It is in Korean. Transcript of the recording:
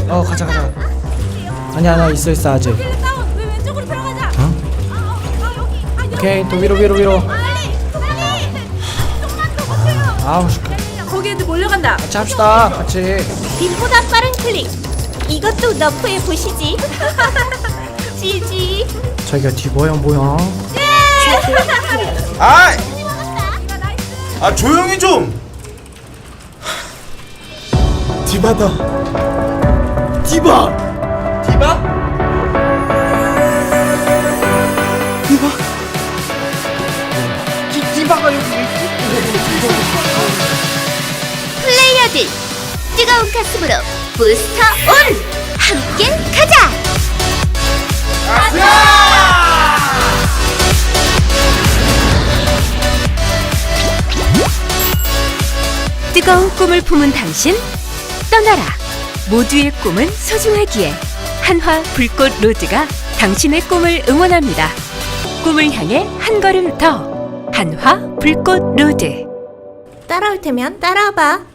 가자. 아니야 있어 아직. 왜 왼쪽으로 들어가자. 여기. 오케이 또 위로. 빨리. 좀만 더 버텨요. 아우 거기 애들 몰려간다. 같이 합시다 같이. 빛보다 빠른 클릭. 이것도 너프해 보시지. 지지. 자기가 뒤보야 뭐야? 아 조용히 좀. 디바다. 디바. 디바가 여기 왜 있지? 플레이어들 뜨거운 가슴으로 부스터 온! 함께 가자! 뜨거운 꿈을 품은 당신 떠나라. 모두의 꿈은 소중하기에 한화 불꽃 로드가 당신의 꿈을 응원합니다. 꿈을 향해 한 걸음 더 한화 불꽃 로드. 따라올 테면 따라와봐.